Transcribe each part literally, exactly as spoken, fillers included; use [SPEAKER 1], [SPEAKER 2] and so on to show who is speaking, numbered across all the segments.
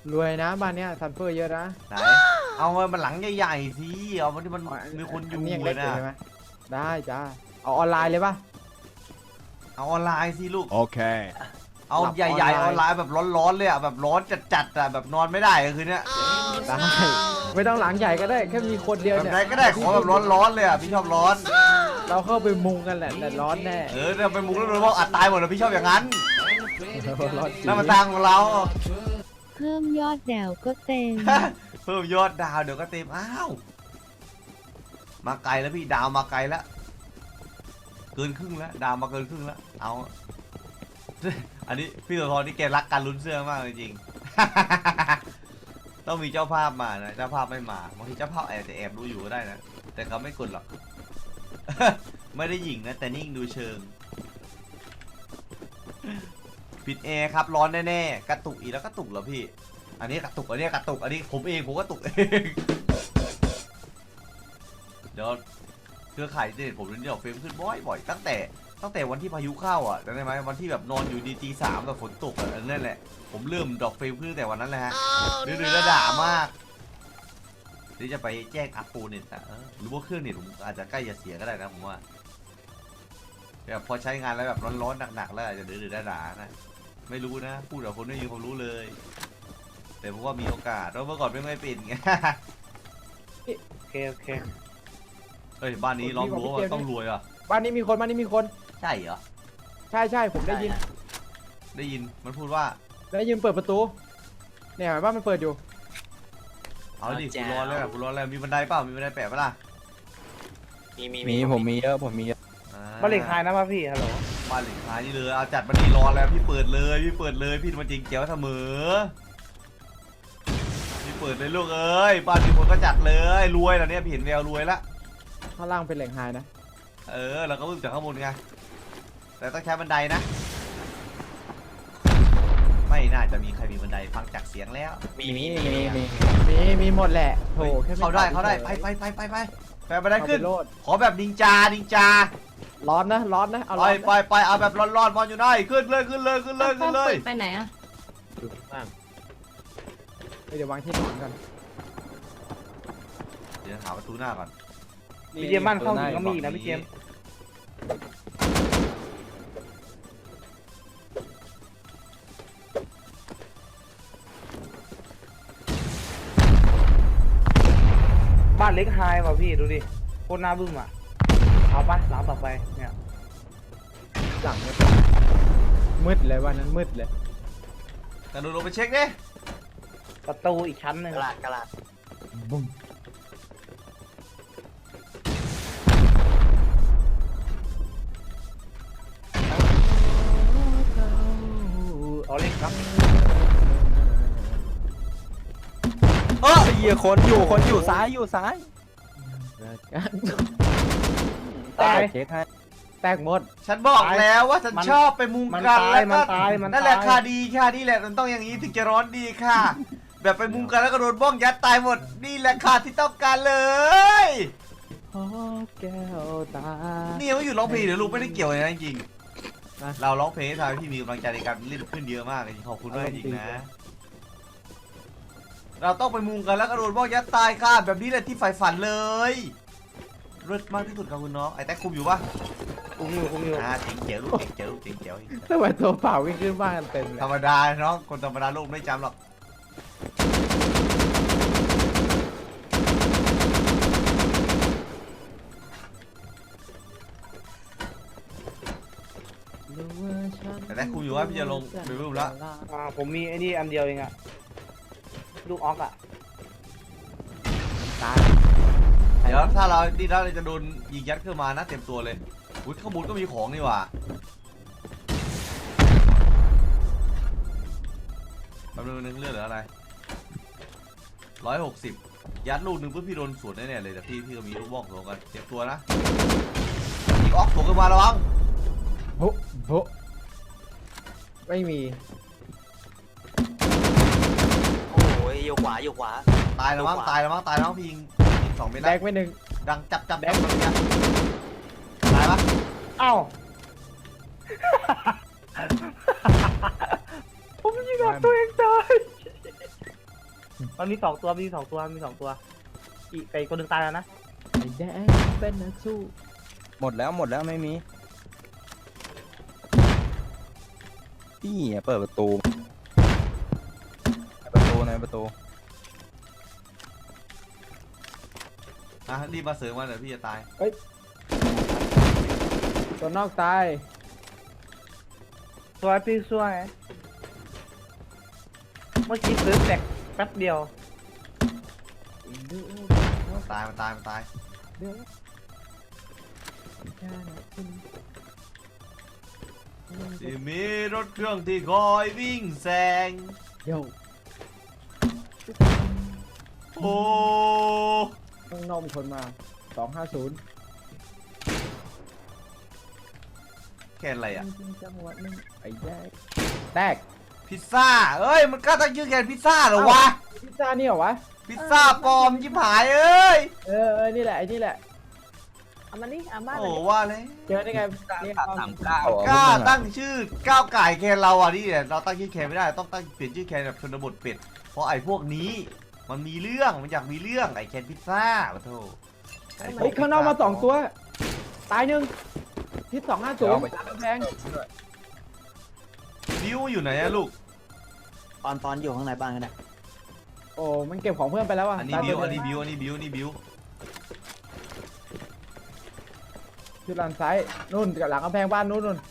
[SPEAKER 1] รวยนะบ้านเนี้ยซันเฟอร์เยอะนะ
[SPEAKER 2] ไหนเอามันหลังใหญ่ๆสิเอามันที่มันมีคนอยู่
[SPEAKER 1] นนี้ยัง
[SPEAKER 2] เล
[SPEAKER 1] เล็
[SPEAKER 2] ย
[SPEAKER 1] กอ
[SPEAKER 2] นะ
[SPEAKER 1] ยู่ใช่ไหมได้จ้าเอาออนไลน์เลยป่ะ
[SPEAKER 2] เอาออนไลน์สิลูก
[SPEAKER 3] โอเค
[SPEAKER 2] เอา
[SPEAKER 1] หลับ
[SPEAKER 2] ใหญ่ๆอ
[SPEAKER 1] อ
[SPEAKER 2] อ
[SPEAKER 1] อน น
[SPEAKER 2] ไล
[SPEAKER 1] ไลน์
[SPEAKER 2] น์แบบร้อนๆเลยอ่ะแบบร้อนจัดๆอ่ะแบบนอนไม่ได้คืนนี้
[SPEAKER 1] ได้ไม่ต้องหลังใหญ่ก็ได้แค่มีคนเดียว
[SPEAKER 2] แบบ
[SPEAKER 1] เนี่ย
[SPEAKER 2] ไหนก็ได้ขอแบบร้อนๆเลยอ่ะพี่ชอบร้อน
[SPEAKER 1] เราเข้าไปมุงกันแหละแต่ร้อนแน่
[SPEAKER 2] เออเนี่ยไปมุกแล้วโดนบอกอัดตายหมดเลยพี่ชอบอย่างนั้น
[SPEAKER 1] ร้อนจริง
[SPEAKER 2] นั่นมันทางของเรา
[SPEAKER 4] เพิ่มยอดแดวก็เต็ม
[SPEAKER 2] เพิ่มยอดดาวเดี๋ยวก็เต็มอ้าวมาไกลแล้วพี่ดาวมาไกลแล้วเกินครึ่งแล้วดาวมาเกินครึ่งแล้วเอา อันนี้พี่ตัวทอนนี่แกรักการลุ้นเสื้อมากจริงๆ ต้องมีเจ้าภาพมานะเจ้าภาพไม่มาบางทีเจ้าภาพแอบจะแอบดูอยู่ก็ได้นะแต่เขาไม่กดหรอก ไม่ได้หยิงนะแต่นิ่งดูเชิงปิดแอร์ครับร้อนแน่ๆกระตุกอีกแล้วกระตุกเหรอพี่อันนี้กระตุกอันนี้กระตุกอันนี้ผมเองผมก็ตุกเองเดี๋ยวเครือข่ายเด็ดผมเนี่ยเฟรมขึ้นบ่อยๆตั้งแต่ตั้งแต่วันที่พายุเข้าอ่ะจำได้ไหมวันที่แบบนอนอยู่ดีตีสามแบบฝนตกอ่ะนั่นแหละผมเริ่มดอกเฟรมขึ้นตั้งแต่วันนั้นแหละฮะดื้อๆแล้วด่ามากที่จะไปแจ้งอัพโปรเน็ตอ่ะหรือว่าเครื่องเน็ตผมอาจจะใกล้จะเสียก็ได้นะผมว่าแบบพอใช้งานแล้วแบบร้อนๆหนักๆแล้วอาจจะดื้อๆด่าๆนะไม่รู้นะพูดกับคนไม่มีความรู้เลยแต่ผมว่ามีโอกาสเพราะเมื่อก่อนไม่ไม่เป็นไง
[SPEAKER 5] โอเคโอเค
[SPEAKER 2] เฮ้ยบ้านนี้ล้อมรั้วว่าต้องรวยอ่ะ
[SPEAKER 1] บ้านนี้มีคนบ้านนี้มีคน
[SPEAKER 2] ใช่เหรอ
[SPEAKER 1] ใช่ใช่ผมได้ยิน
[SPEAKER 2] ได้ยินมันพูดว่า
[SPEAKER 1] ได้ยินเปิดประตูเนี่ยบ้านมันเปิดอยู่
[SPEAKER 2] เอาดิกูร้อนแล้วกูร้อนแล้วมีบันไดเปล่ามีบันไดแปะปะล่ะ
[SPEAKER 5] มีมี
[SPEAKER 3] มีผมมีเยอะผมมีเยอะ
[SPEAKER 2] อ่
[SPEAKER 5] บ้านเหล็กคายนะป่ะพี่ฮัลโหล
[SPEAKER 2] บ้านเหล็กคายนี่เลยเอาจัดบันดีร้อนแล้วพี่เปิดเลยพี่เปิดเลยพี่มาจริงเจ๋วเสมอพี่เปิดเลยลูกเอ้ยบ้านมีคนก็จัดเลยรวยแล้วเนี่ยพี่เห็นแววรวยละ
[SPEAKER 1] ข้างล่างเป็นแหล่งไฮนะ
[SPEAKER 2] เออเราก็วิ่งจากข้างบนไงแต่ต้องใช้บันไดนะไม่น่าจะมีใครมีบันไดฟังจากเสียงแล้ว
[SPEAKER 5] มีมี
[SPEAKER 3] มีมีมี
[SPEAKER 1] มีมีหมดแหละโถแค่ม่
[SPEAKER 2] เขาได้
[SPEAKER 1] ตอบ
[SPEAKER 2] เขาได้
[SPEAKER 1] ฉ
[SPEAKER 2] ไป
[SPEAKER 1] ย
[SPEAKER 2] ไปไปไปไปไปบันได
[SPEAKER 1] เอา
[SPEAKER 2] ขึ้น
[SPEAKER 1] ไปโลด
[SPEAKER 2] ขอแบบนินจานินจา
[SPEAKER 1] ร้อนนะร้อนนะเอา
[SPEAKER 2] ไป
[SPEAKER 1] ร้อน
[SPEAKER 2] ไปไปเอาแบบร้อนๆบอลอยู่ได้ขึ้นเลยขึ้นเลยขึ้นเลยขึ้นเลย
[SPEAKER 4] ไปไหนอะ
[SPEAKER 1] เดี๋ยววางที่นอนกัน
[SPEAKER 2] เดี๋ยวหาประตูหน้าก่อน
[SPEAKER 5] พี่เจมส์บ้านเข้าถึงก็มีอีกนะพี่เจมส์บ้านเล็กไฮว่ะพี่ดูดิโคตรน่าบึ้มอ่ะเอาปะหลังต่อไปเนี่ย
[SPEAKER 1] หลังเนี่ยมืดเลยวันนั้นมืดเลย
[SPEAKER 2] กระโดดลงไปเช็คดิ
[SPEAKER 5] ประตูอีกชั้นหนึ่ง
[SPEAKER 6] กระลาดกระลาด
[SPEAKER 1] บุ้ม
[SPEAKER 5] เอาเล็กครับ
[SPEAKER 2] เออ
[SPEAKER 3] เฮียคนอยู่คนอยู่ซ้ายอยู่ซ้าย
[SPEAKER 5] ตาย
[SPEAKER 3] เช็คให้
[SPEAKER 1] แตกหมด
[SPEAKER 2] ฉันบอกแล้วว่าฉัน
[SPEAKER 5] มัน
[SPEAKER 2] ชอบไปมุง
[SPEAKER 5] มัน
[SPEAKER 2] กัน
[SPEAKER 5] ตาย
[SPEAKER 2] แล้ว
[SPEAKER 5] มั
[SPEAKER 2] ก็
[SPEAKER 5] นตายมัน
[SPEAKER 2] นั่นแหละ
[SPEAKER 5] ตาย
[SPEAKER 2] ค่ะดีค่ะนี่แหละมันต้องอย่างนี้ถึงจะร้อนดีค่ะ แบบไปมุงกันแล้วก็โดนบ้องยัดตายหมดนี่แหละค่ะที่ต้องการเลย
[SPEAKER 1] ขอแก้วตา
[SPEAKER 2] นี่ยังไม่หยุดร้องเพลงเดี๋ยวลูกไม่ได้เกี่ยวเลยนะจริง
[SPEAKER 1] นะ
[SPEAKER 2] ๆเราร้องเพลงให้ทำให้พี่มีกำลังใจในการเล่นขึ้นเยอะมากจริงๆขอบคุณมากจริงๆนะ เราต้องไปมุงกันแล้วก็โดนบ้องยัดตายค่ะแบบนี้แหละที่ใฝ่ฝันเลยเลิศมากที่สุดครับคุณน้องไอ้แท็กคุมอยู่ปะ
[SPEAKER 5] คุ้มอยู่คุ้มอยู่
[SPEAKER 2] อ่าเจ๋งเจ๋วลูกเจ๋งเจ๋วลูกเจ๋งเจ๋ว
[SPEAKER 1] ทำไมตัวเปล่าวิ่งขึ้นบ้านกันเต็มเลย
[SPEAKER 2] ธรรมดาน้องคนธรรมดาโลกไม่จำหรอกแต่แท็กคุมอยู่ว่าพี่จะลงไปรูปแล้ว
[SPEAKER 5] อ่าผมมีไอ้นี่อันเดียวเองอะลูกออกอะ
[SPEAKER 1] ตาย
[SPEAKER 2] เดี๋ยวถ้าเราดีแล้วเราจะโดนยิงยัดขึ้นมานะเต็มตัวเลยอุ้ยข้างบนก็มีของนี่หว่าแป๊บนึงนึงเลือดเหลืออะไรร้อยหกสิบยัดลูกหนึ่งเพื่อพี่โดนสวนแน่ๆเลยแต่พี่พี่ก็มีลูกบ้องโถกันเตรียมตัวนะยิงออกโถขึ้นมาระวัง
[SPEAKER 1] โบะโบะไม่มี
[SPEAKER 6] โอ้ยอยู่ขวาอยู่ขวา
[SPEAKER 2] ตายแล้วมั้งตายแล้วมั้งตายแล้วมั้งพี่ยิงยิงสองเมตร
[SPEAKER 1] แด
[SPEAKER 2] แล้ว
[SPEAKER 1] กไม่หนึ่ง
[SPEAKER 2] ดังจับจับแดกแบบนี้ตายปะ
[SPEAKER 5] เอ้าผมยิงออกตัวเองตายมันมีสองตัวมีสองตัวมีสองตัวอีกไอ้คนหนึ่งตายแล้วนะ
[SPEAKER 1] ไอ้แดงเป็นนักสู้
[SPEAKER 3] หมดแล้วหมดแล้วไม่มีพี่เปิดประตูในประตูในประตู
[SPEAKER 2] อ่ะรีบมาเสริมมาเดี๋ยวพี่จะตาย
[SPEAKER 1] ตัวนอกตาย
[SPEAKER 5] สวยพี่สวยเมื่อกี้ซื้อแตกแป๊บเดียว
[SPEAKER 2] ตายมันตายมันตายที่มีรถเครื่องที่คอยวิ่งแซง
[SPEAKER 1] เดี๋ยว
[SPEAKER 2] โอ้
[SPEAKER 1] ข้างนอกมีคนมาสองห้าศูนย์
[SPEAKER 2] แค่อะไรอ่ะ
[SPEAKER 1] จังหวะนึงไอ้แดงแตก
[SPEAKER 2] พิซซ่าเอ้ยมันกล้าตั้งชื่อแกนพิซซ่าเหรอวะ
[SPEAKER 1] พิซซ่านี่เหรอวะ
[SPEAKER 2] พิซซ่าปลอมยิบหายเอ้ย
[SPEAKER 1] เออเออนี่แหละไอ้นี่แหละ
[SPEAKER 7] เอามานี่เอามา
[SPEAKER 2] โอ้
[SPEAKER 7] เลย
[SPEAKER 2] ว่าเลย
[SPEAKER 1] เจอได้ไงนี่
[SPEAKER 3] สามเก้าก
[SPEAKER 2] ล้าตั้งชื่อก้าวไก่แคนเราอ่ะนี่เนี่ยเราตั้งชื่อแคนไม่ได้ต้องตั้งเปลี่ยนชื่อแคนแบบชนบทเป็ดเพราะไอ้พวกนี้มันมีเรื่องมันอยากมีเรื่องไอ้แคนพิซซ่าขอโทษไอ้พว
[SPEAKER 1] เฮ้ยข้างนอกมาสองตัว ตายหนึ่งทิศสองห้าศูนย์แพง
[SPEAKER 2] บิวอยู่ไหนอะลูก
[SPEAKER 6] ปอนปอนอยู่ข้างในบ้านกันนะ
[SPEAKER 1] โอ้มันเก็บของเพื่อนไปแล้วอ่ะ
[SPEAKER 2] อันนี้บิวอันนี้บิวอันนี้บิวอันนี้บิว
[SPEAKER 1] จุดหลังซ้ายนู่นกับหลังกำแพงบ้านนู่นนู่น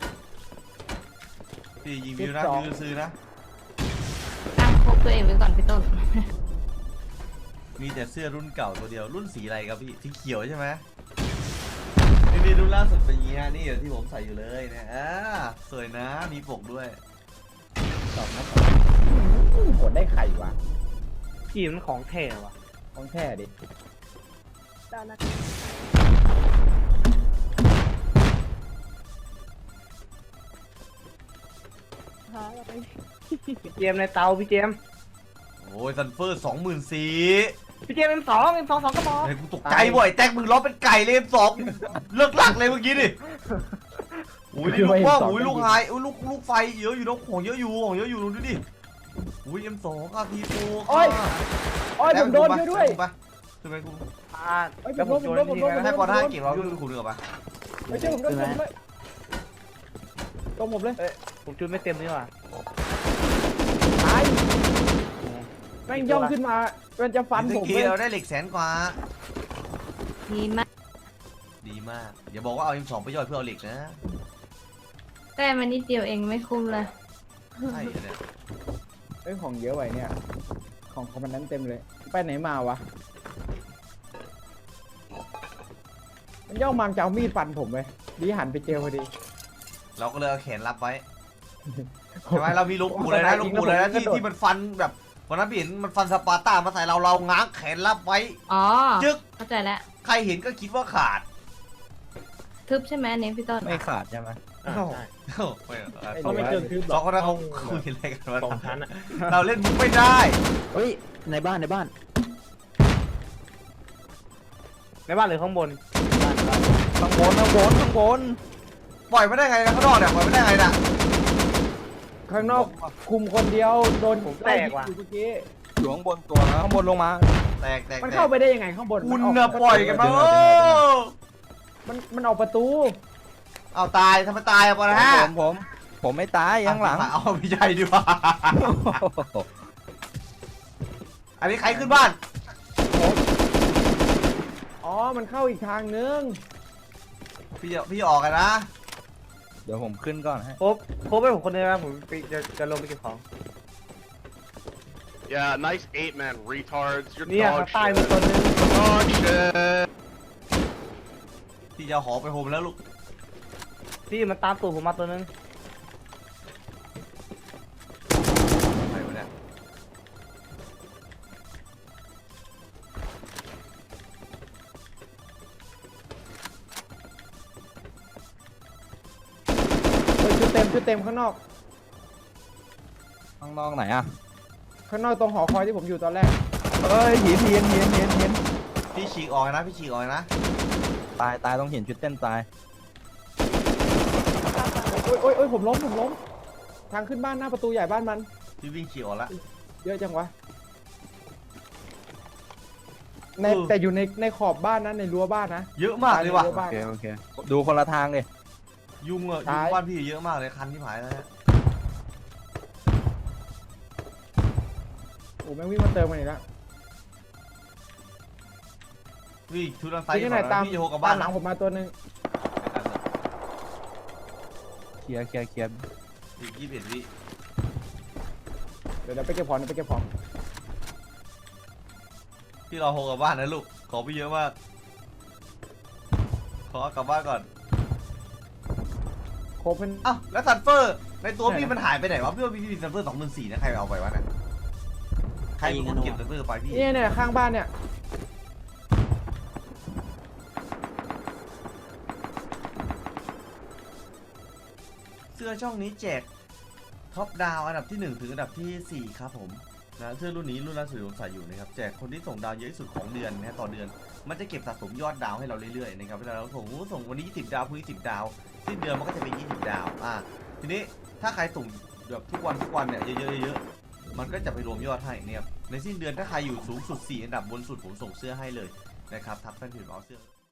[SPEAKER 2] พี่ยิงบิวนะ
[SPEAKER 1] สิบสอง
[SPEAKER 2] บิวซื้อนะ
[SPEAKER 7] ตั้งพกตัวเองไว้ก่อนพี่ต้น
[SPEAKER 2] มีแต่เสื้อรุ่นเก่าตัวเดียวรุ่นสีอะไรครับพี่สีเขียวใช่ไหมนี่นี่รุ่นล่าสุดเป็นอย่างงี้ฮะนี่เดี๋ยวที่ผมใส่อยู่เลยนะอ่าสวยนะมีปกด้วย
[SPEAKER 1] สองนัดหมดได้ไข่วะ
[SPEAKER 5] พี่มันของแท้ว่ะ
[SPEAKER 1] ของแท้ดิ
[SPEAKER 7] ตอนนั้น หาอะไร
[SPEAKER 5] พี่เจมส์ในเตาพี่เจมส์
[SPEAKER 2] โอ้ยซันเฟอร์สองหมื่นสี่
[SPEAKER 5] พี่เจมส์เอ็มสองเอ็มสองสองกระบอก
[SPEAKER 2] เฮ้ยกูตกใจบ่อยแตกมึงล้อเป็นไก่เลยสองเลิกหลักเลยเมื่อกี้ดิโอ้ยนี่ลูกว่าโอ้ยลูกไฮโอ้ยลูกลูกไฟเยอะอยู่นะของเยอะอยู่ของเยอะอยู่ดูดิโอ้ยเอ็มสองอาพีโฟ
[SPEAKER 1] โอ้ยโอ้ยผมโดนด้วยด้วย
[SPEAKER 2] ไปทำไมกู
[SPEAKER 5] อ่า
[SPEAKER 1] เอ้ย
[SPEAKER 5] แล้วผม
[SPEAKER 1] ผ
[SPEAKER 5] โย
[SPEAKER 1] ม
[SPEAKER 5] น
[SPEAKER 1] โดนผมโดน
[SPEAKER 5] นี่
[SPEAKER 1] ผมโดน
[SPEAKER 2] ให้ปอนห้าเก็บเราด้วยคุณเรือปะ
[SPEAKER 1] ไม่ใช่ผมโดนผมเลยตรงผมเลย
[SPEAKER 5] ผมจุดไม่เต็มนี่ว่ะ
[SPEAKER 1] ตายแม่งย่องขึ้นมามันจะฟันผม
[SPEAKER 2] เมื่อกี้
[SPEAKER 1] เลย
[SPEAKER 2] เราได้เหล็กแสนกว่า
[SPEAKER 7] ดีมาก
[SPEAKER 2] ดีมากอย่าบอกว่าเอาเอ็มสองไปย่อยเพื่อเอาเหล็กนะ
[SPEAKER 7] แต่มันนิดเดียวเองไม่คุ้มเลย
[SPEAKER 2] ใช่เนี่ย
[SPEAKER 1] เอ้ยของเยอะไว้เนี่ย ของของมันนั้นเต็มเลย ไปไหนมาวะ มันย่องมามจะเอามีดฟันผมเลยดีหันไปเจอพอดี
[SPEAKER 2] เราก็เลยเอาแขนรับไว้ใช่ไหมเรามีลูกปูเลยนะลูกปูเลยนะที่ที่มันฟันแบบวันนั้นพี่เห็นมันฟันสปาร์ต้ามาใส่เราเราง้างแขนรับไว้
[SPEAKER 7] อ๋อ
[SPEAKER 2] จึ๊ก
[SPEAKER 7] เข้าใจแล้ว
[SPEAKER 2] ใครเห็นก็คิดว่าขาด
[SPEAKER 7] ทึบใช่ไหมอันนี้พี่ต้น
[SPEAKER 3] ไม่ขาดใช่ไหม
[SPEAKER 2] โอ้โหไม่เอา
[SPEAKER 1] เขาไม่เจอคือ
[SPEAKER 2] สองคนนั้นเขาคุยอะไรกันวะ
[SPEAKER 5] สองชั้นอ่ะ
[SPEAKER 2] เราเล่นมุกไม่ได้
[SPEAKER 6] เฮ้ยในบ้านในบ้าน
[SPEAKER 5] ในบ้านหรือข้างบน
[SPEAKER 6] บ้านบ้าน
[SPEAKER 3] ข้างบนข้างบนข้างบน
[SPEAKER 2] ปล่อยไม่ได้ไงนะข้างนอกเนี่ยปล่อยไม่ได้ไงน่ะ
[SPEAKER 1] ข้างนอกคุมคนเดียวโดน
[SPEAKER 5] ผมแตกว่ะ
[SPEAKER 1] ไล่ยิงอยู่เมื่อกี้
[SPEAKER 3] อยู่ข้างบนตัวนะข้างบนลงมา
[SPEAKER 2] แตกแตก
[SPEAKER 1] มัน
[SPEAKER 2] แต
[SPEAKER 1] เข้าก ไปได้ยังไงข้างบน
[SPEAKER 2] คุณ
[SPEAKER 1] มั
[SPEAKER 2] น่ะ
[SPEAKER 1] ก
[SPEAKER 2] ปล่อยกันมาโอ้
[SPEAKER 1] มันมันออกประตู
[SPEAKER 2] เอาตายทำไมตายอะปะนะฮะ
[SPEAKER 3] ผมผมผมไม่ตายข้างหลัง
[SPEAKER 2] เอาไม่ใช่ดีกว่าอันนี้ใครขึ้นบ้าน
[SPEAKER 1] อ๋อ มันเข้าอีกทางนึง
[SPEAKER 2] พี่จะพี่จะออกกันนะ
[SPEAKER 3] เดี๋ยวผมขึ้นก่อนให้
[SPEAKER 5] โคบโคบไปผมคนเดียวนะผมไปจะจะลงไปเก็บของ
[SPEAKER 8] Yeah, nice eight man retards. You're
[SPEAKER 5] เนี่ย
[SPEAKER 8] dog
[SPEAKER 5] ข้างใต้มี
[SPEAKER 8] shit.
[SPEAKER 5] ตัวนึง
[SPEAKER 8] Dog shit.
[SPEAKER 2] พี่จะเอาหอไปโฮมแล้วลูก
[SPEAKER 5] พี่มันตามตูดผมมาตัวนึง
[SPEAKER 2] ใครวะเนี่ย
[SPEAKER 1] เฮ้ยชุดเต็มชุดเต็มข้างนอก
[SPEAKER 3] ข้างนอกไหนอ่ะ
[SPEAKER 1] ข้างนอกตรงหอคอยที่ผมอยู่ตอนแรก
[SPEAKER 3] เอ้ยหินหินหินหินหิน
[SPEAKER 2] พี่ฉีกออกนะพี่ฉีกออกนะ
[SPEAKER 3] ตายตายต้องเห็นชุดเต้นตาย
[SPEAKER 1] โอ้ยโอ้ยโอ้ยผมล้มผมล้ม ทางขึ้นบ้านหน้าประตูใหญ่บ้านมัน
[SPEAKER 2] พี่วิ่งฉีกออกแล้ว
[SPEAKER 1] เยอะจังวะใน
[SPEAKER 2] เออ
[SPEAKER 1] แต่อยู่ในในขอบบ้านนะในรั้วบ้านนะ
[SPEAKER 2] เยอะมากเลยว่ะ
[SPEAKER 1] ในรั้ว
[SPEAKER 3] โอ
[SPEAKER 1] บ้าน
[SPEAKER 3] เคโอเคดูคนละทางเลย
[SPEAKER 2] ยุงอะยุ
[SPEAKER 1] ตาง ย
[SPEAKER 2] บ้านพี่เยอะมากเลยคันที่หายแล้วฮะ
[SPEAKER 1] โอ้แม่งวิ่งมาเติมกันอีกแล้ว
[SPEAKER 2] พี่ชุดทางซ้าย
[SPEAKER 1] พี่ที่ไหน
[SPEAKER 2] ก่อน
[SPEAKER 1] ตาม
[SPEAKER 2] นะพี่โยกลับ
[SPEAKER 1] บ้า
[SPEAKER 2] บ้าน น
[SPEAKER 1] หลังผมมาตัวหนึ่ง
[SPEAKER 3] เคลียร์เคลียร์เคลียร์
[SPEAKER 2] อีกยี่สิบเอ็ดวิ
[SPEAKER 1] เดี๋ยวเดี๋ยวไปเก็บของเดี๋ยวไปเก็บของ
[SPEAKER 2] พี่รอโฮกลับบ้านนะลูกของพี่เยอะมากขอกลับบ้านก่อน
[SPEAKER 1] โคเป็น
[SPEAKER 2] อ้าวแล้วซันเฟอร์ในตัว
[SPEAKER 1] ไหน
[SPEAKER 2] พี่
[SPEAKER 1] นะ
[SPEAKER 2] มันหายไปไหนวะพี่ว่าพี่มีซันเฟอร์สองหมื่นสี่นะใครเอาไปวะเนี่ยใครเป็นคนเก็บซันเฟอร์ไปพี่
[SPEAKER 1] เนี่ยเนี่ยข้างบ้านเนี่ย
[SPEAKER 2] เสื้อช่องนี้แจกท็อปดาวอันดับที่หนึ่งถึงอันดับที่สี่ครับผมนะเสื้อรุ่นนี้รุ่นล่าสุดที่ผมใส่อยู่นะครับแจกคนที่ส่งดาวเยอะที่สุดของเดือนนะต่อเดือนมันจะเก็บสะสมยอดดาวให้เราเรื่อยๆนะครับเวลาเราส่งส่งวันนี้ยี่สิบดาวพรุ่งนี้สิบดาวสิ้นเดือนมันก็จะเป็นยี่สิบดาวอ่ะทีนี้ถ้าใครส่งแบบทุกวันทุกวันเนี่ยเยอะๆเยอะๆมันก็จะไปรวมยอดให้เนี่ยในสิ้นเดือนถ้าใครอยู่สูงสุดสี่อันดับบนสุดผมส่งเสื้อให้เลยนะครับทักแฟนเพจเอาเสื้อ